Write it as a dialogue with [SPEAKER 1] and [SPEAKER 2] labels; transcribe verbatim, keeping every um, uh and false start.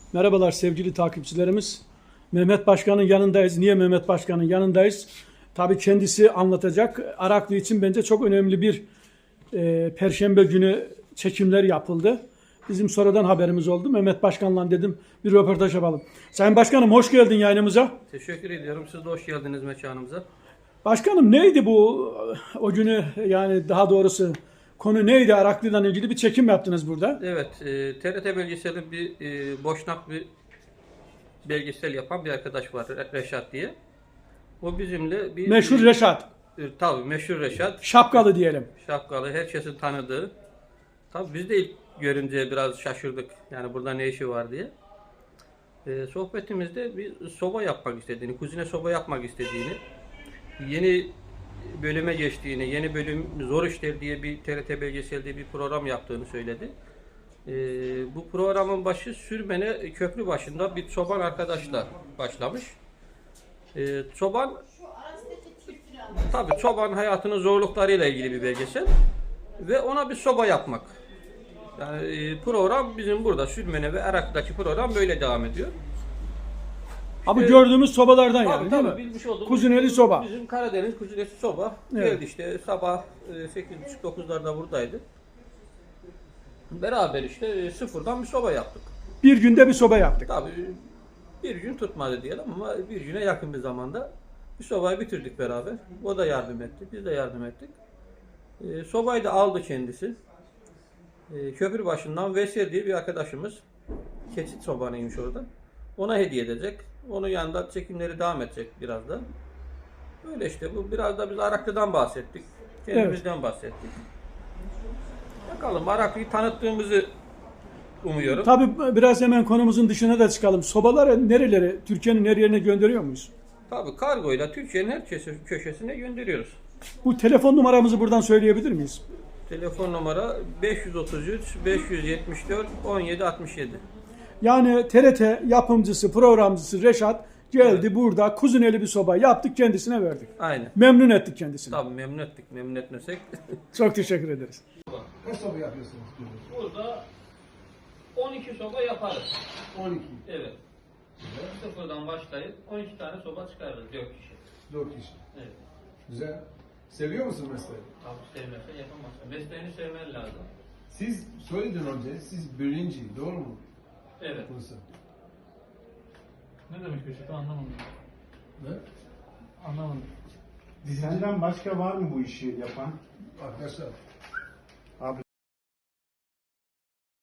[SPEAKER 1] Merhabalar sevgili takipçilerimiz. Mehmet Başkan'ın yanındayız. Niye Mehmet Başkan'ın yanındayız? Tabii kendisi anlatacak. Araklı için bence çok önemli bir e, Perşembe günü çekimler yapıldı. Bizim sonradan haberimiz oldu. Mehmet Başkan'la dedim bir röportaj yapalım. Sayın Başkanım hoş geldin yayınımıza.
[SPEAKER 2] Teşekkür ediyorum. Siz de hoş geldiniz mekanımıza.
[SPEAKER 1] Başkanım neydi bu o günü, yani daha doğrusu konu neydi? Araklı'dan ilgili bir çekim yaptınız burada.
[SPEAKER 2] Evet, e, T R T belgeseli bir e, Boşnak bir belgesel yapan bir arkadaş var, Re- Reşat diye. O bizimle bir...
[SPEAKER 1] Meşhur Reşat.
[SPEAKER 2] E, tabii meşhur Reşat.
[SPEAKER 1] Şapkalı diyelim.
[SPEAKER 2] Şapkalı, herkesin tanıdığı. Tabii biz de ilk görünce biraz şaşırdık. Yani burada ne işi var diye. E, sohbetimizde bir soba yapmak istediğini, kuzine soba yapmak istediğini, yeni bölüme geçtiğini, yeni bölüm Zor İşler diye bir T R T belgeselde bir program yaptığını söyledi. Ee, bu programın başı Sürmene köprü başında bir çoban arkadaşla başlamış. Ee, çoban, tabii çoban hayatının zorluklarıyla ilgili bir belgesel ve ona bir soba yapmak. Yani e, program bizim burada Sürmene ve Arak'taki program böyle devam ediyor.
[SPEAKER 1] Abi
[SPEAKER 2] İşte-
[SPEAKER 1] gördüğümüz sobalardan
[SPEAKER 2] Tabii,
[SPEAKER 1] yani değil
[SPEAKER 2] tabii,
[SPEAKER 1] mi?
[SPEAKER 2] bilmiş olduğumuz
[SPEAKER 1] Kuzineli soba.
[SPEAKER 2] Bizim Karadeniz kuzinesi soba.
[SPEAKER 1] Evet.
[SPEAKER 2] Geldi işte sabah e, sekiz buçuk dokuzlarda buradaydı. Beraber işte e, sıfırdan bir soba yaptık.
[SPEAKER 1] Bir günde bir soba yaptık.
[SPEAKER 2] Tabii bir gün tutmadı diyelim ama bir güne yakın bir zamanda bir sobayı bitirdik beraber. O da yardım etti, biz de yardım ettik. E, sobayı da aldı kendisi. E, köprü başından Veysel diye bir arkadaşımız. Keçit sobanıymış orada. Ona hediye edecek. Onun yanında çekimleri devam edecek biraz da. Öyle işte bu biraz da biz Araklı'dan bahsettik. Kendimizden bahsettik. Bakalım Araklı'yı tanıttığımızı umuyorum.
[SPEAKER 1] Tabii biraz hemen konumuzun dışına da çıkalım. Sobaları nerelere, Türkiye'nin her yerine gönderiyor muyuz?
[SPEAKER 2] Tabii kargoyla Türkiye'nin her köşe- köşesine gönderiyoruz.
[SPEAKER 1] Bu telefon numaramızı buradan söyleyebilir miyiz?
[SPEAKER 2] Telefon numara beş yüz otuz üç beş yüz yetmiş dört on yedi altmış yedi.
[SPEAKER 1] Yani T R T yapımcısı, programcısı Reşat geldi
[SPEAKER 2] Evet.
[SPEAKER 1] burada kuzineli bir soba yaptık, kendisine verdik.
[SPEAKER 2] Aynen.
[SPEAKER 1] Memnun ettik kendisini.
[SPEAKER 2] Tabii memnun ettik. Memnun etmesek.
[SPEAKER 1] Çok teşekkür ederiz.
[SPEAKER 3] Kaç soba yapıyorsunuz?
[SPEAKER 2] Burada on iki soba yaparız.
[SPEAKER 3] on iki.
[SPEAKER 2] Evet. Sıfırdan başlayıp on iki tane soba çıkarırız dört kişi.
[SPEAKER 3] dört kişi.
[SPEAKER 2] Evet.
[SPEAKER 3] Güzel. Seviyor musun mesleği?
[SPEAKER 2] Abi sevmezsen yapamazsın. Mesleğini sevmen lazım.
[SPEAKER 3] Siz söyledin önce, siz birinci, doğru mu?
[SPEAKER 2] Evet.
[SPEAKER 3] Burası.
[SPEAKER 4] Ne demek Reşat anlamadım.
[SPEAKER 3] Ne?
[SPEAKER 4] Anlamadım.
[SPEAKER 5] Senden başka var mı bu işi yapan?
[SPEAKER 3] Arkadaşlar,